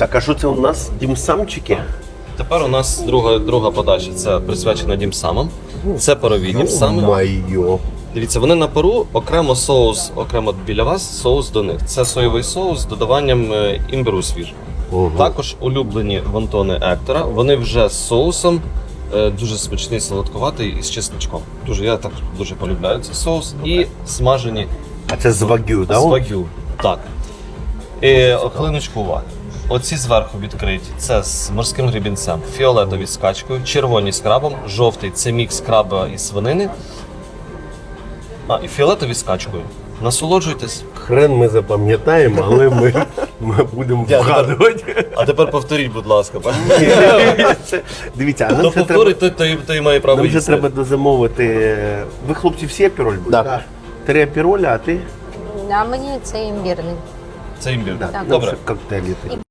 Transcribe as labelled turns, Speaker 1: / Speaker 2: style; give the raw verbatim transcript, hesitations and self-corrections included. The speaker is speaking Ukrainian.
Speaker 1: Так, а що це у нас? Дімсамчики?
Speaker 2: Тепер у нас друга, друга подача. Це присвячена дімсамам. Це парові дімсами.
Speaker 1: Майо.
Speaker 2: Дивіться, вони на пару, окремо соус, окремо біля вас, соус до них. Це соєвий соус з додаванням е, імбиру свіжого.
Speaker 1: Ого.
Speaker 2: Також улюблені вонтони Ектора. Вони вже з соусом, е, дуже смачний, солодкуватий і з чесничком. Дуже, я так дуже полюбляю цей соус. І смажені
Speaker 1: А це з вагю,
Speaker 2: з
Speaker 1: так?
Speaker 2: вагю. Так. І хвилиночку уваги. Оці зверху відкриті. Це з морським гребінцем, фіолетові з качкою, червоні з крабом, жовтий це мікс краба і свинини. А, і фіолетові з качкою. Насолоджуйтесь.
Speaker 1: Хрен ми запам'ятаємо, але ми, ми будемо вгадувати.
Speaker 2: А тепер повторіть, будь ласка.
Speaker 1: Це- Дивіться, а нам
Speaker 2: Хто
Speaker 1: ще треба,
Speaker 2: повторить, той, той, той має право
Speaker 1: нам ще
Speaker 2: їсти.
Speaker 1: треба дозамовити. Ви, хлопці, всі апіроль будете?
Speaker 3: Да.
Speaker 1: Три апіроля, а ти?
Speaker 4: А мені це імбірний.
Speaker 2: Це імбір.
Speaker 1: Да,
Speaker 2: Добре.
Speaker 1: це коктейлі такі.